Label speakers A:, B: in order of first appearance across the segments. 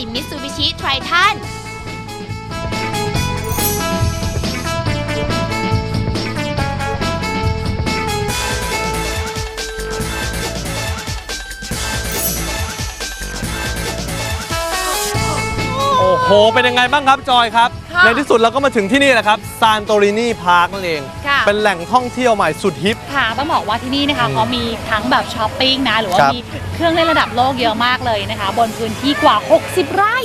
A: Mitsubishi Triton
B: โอ้โหเป็นยังไงบ้างครับจอยครับในที่สุดเราก็มาถึงที่นี่แหละครับซานโตรินีพาร์คนั่นเองเป็นแหล่งท่องเที่ยวใหม่สุดฮิป
C: ค่ะต้องบอกว่าที่นี่นะคะเขามีทั้งแบบช้อปปิ้งนะหรือว่ามีเครื่องเล่นระดับโลกเยอะมากเลยนะคะบนพื้นที่กว่า60 ไร่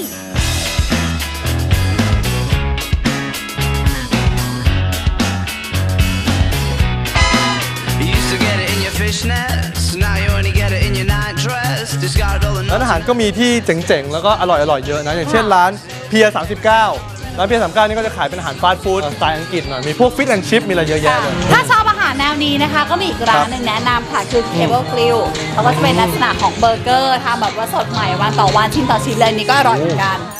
B: ร้านอาหารก็มีที่เจ๋งๆแล้วก็อร่อยๆเยอะนะอย่างเช่นร้านเพีย39ร้านเพีย39นี่ก็จะขายเป็นอาหารฟาสต์ฟู้ดสไตล์อังกฤษหน่อยมีพวกฟิชแอนด์ชิพมีอะไรเยอะแยะเลย
C: ถ้าชอบอาหารแนวนี้นะคะก็มีอีกร้านหนึ่งแนะนำค่ะคือ Cable Grill เขาก็จะเป็นลักษณะของเบอร์เกอร์ทำแบบว่าสดใหม่วันต่อวันชิ้นต่อชิ้นเลยนี่ก็อร่อยเหมือนกัน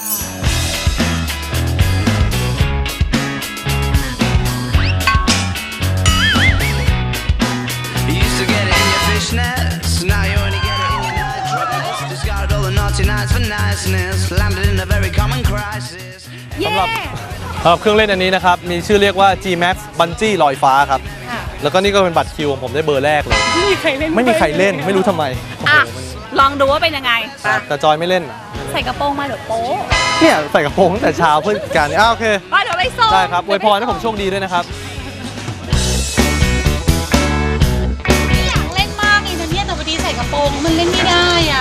B: สำหรับเครื่องเล่นอันนี้นะครับมีชื่อเรียกว่า G-Max Bungee ลอยฟ้าครับแล้วก็นี่ก็เป็นบัตรคิวของผมได้เบอร์แรกเลย
C: ไม่มีใครเล่น
B: ไม่รู้ทำไม
C: ลองดูว่าเป็นยังไง
B: แต่จอยไม่เล่น
C: ใส่กระโปรงมาเดี๋ยวโป๊
B: เนี่ยใส่กระโปรงตั้งแต่เช้าเพื่อการนี้โอเค
C: เดี๋ยวไปส่ง
B: ได้ครับอวยพรให้ผมโชคดีด้วยนะครับ
C: อยากเล่นมากเลยนะเนี่ยแต่พอดีใส่กระโปรงมันเล่นไม่ได้อ่ะ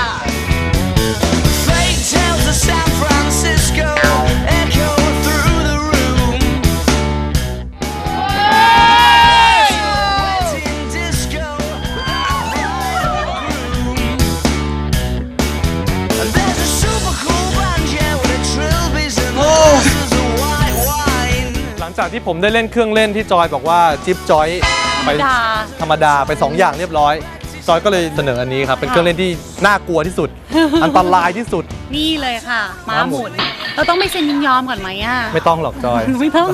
B: หลังจากที่ผมได้เล่นเครื่องเล่นที่จอยบอกว่าจิ๊บจอยไปธรรมดาไป2อย่างเรียบร้อยจอยก็เลยเสนออันนี้ครับเป็นเครื่องเล่นที่น่ากลัวที่สุดอันตรายที่สุด
C: นี่เลยค่ะม้าหมุนเราต้องไม่เซ็นยินยอมก่อนไหมอ่ะ
B: ไม่ต้องหรอกจอย
C: ไม่ต้อง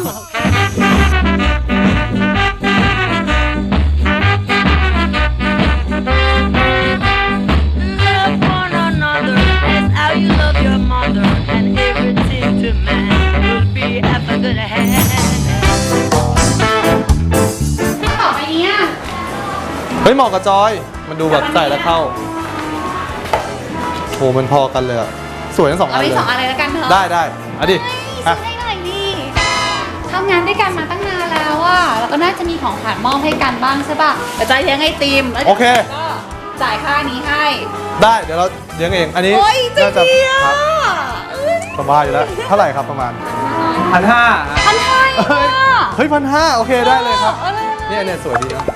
B: เฮ้ยเหมาะกับจอยมันดูแบบใส่แล้วเข้าโหมันพอกันเลยอะสวยทั้ง2 อันเลย
C: เอาไป2 อันเลยแล้วกันเถอะ
B: ได้เอาดิ
C: ให้หน่อยนี่ทำงานด้วยกันมาตั้งนานแล้วอ่ะแล้วก็น่าจะมีของขวัญมอบให้กันบ้างใช่ป่ะแต่จอยเลี้ยงไอติม
B: โอเค
C: ก็จ่ายค่านี้ให้
B: ได้เดี๋ยวเราเลี้ยงเองอันนี้
C: น่าจะครับ
B: สบายอยู่แล้วเท่าไหร่ครับประมาณ1,500เฮ้ย1,500โอเคได้เลยครับเนี่ยสวยดีนะ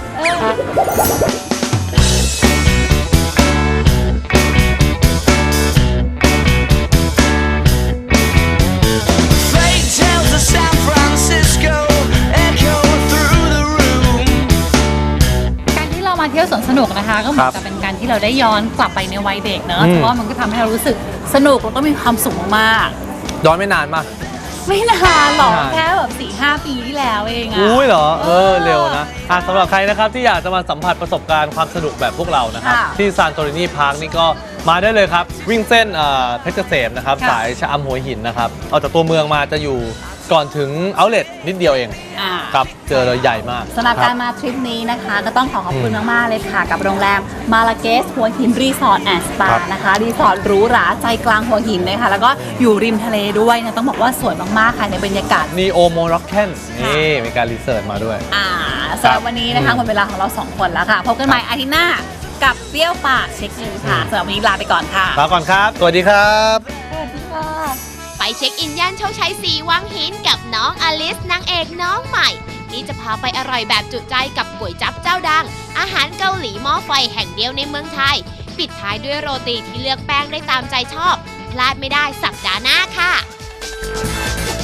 C: เที่ยวสวนสนุกนะคะก็เหมือนกับเป็นการที่เราได้ย้อนกลับไปในวัยเด็กเนอะเพราะว่ามันก็ทำให้เรารู้สึกสนุกแล้วก็มีความสุขมาก
B: ย้อนไม่นานมาก
C: ไม่นานหรอกแค่แบบ 4-5 ปีที่แล้วเองอะ
B: อุ้ยเหรอเร็วนะสำหรับใครนะครับที่อยากจะมาสัมผัสประสบการณ์ความสนุกแบบพวกเรานะครับที่ซานโตรินีพาร์คนี่ก็มาได้เลยครับวิ่งเส้นเพชรเกษมนะครับสายชะอำหัวหินนะครับออกจากตัวเมืองมาจะอยู่ก่อนถึงเอาท์เลทนิดเดียวเองครับเจอเลยใหญ่มาก
C: สำหรับการมาทริปนี้นะคะก็ต้องขอบคุณมากๆเลยค่ะกับโรงแรมมาลาเกสหัวหินรีสอร์ทแอนด์สปานะคะรีสอร์ทหรูหราใจกลางหัวหินนะคะแล้วก็อยู่ริมทะเลด้วยนะต้องบอกว่าสวยมากๆค่ะในบรรยากาศ
B: นีโอโมร็อกเคนนี่มีการรีเสิร์ชมาด้วย
C: สำหรับวันนี้นะคะหมดเวลาของเรา2 คนแล้วค่ะพบกันใหม่อาทิตย์หน้ากับเปรี้ยวปากเช็คอินค่ะสำหรับวันนี้ลาไปก่อนค่ะ
B: ลาก่อนครับสวัสดีครับ
C: สวัสดีค่ะ
A: ไปเช็คอินย่านโชคชัย4 วังหินกับน้องอลิสนางเอกน้องใหม่ที่จะพาไปอร่อยแบบจุใจกับก๋วยจั๊บเจ้าดังอาหารเกาหลีหม้อไฟแห่งเดียวในเมืองไทยปิดท้ายด้วยโรตีที่เลือกแป้งได้ตามใจชอบพลาดไม่ได้สัปดาห์หน้าค่ะ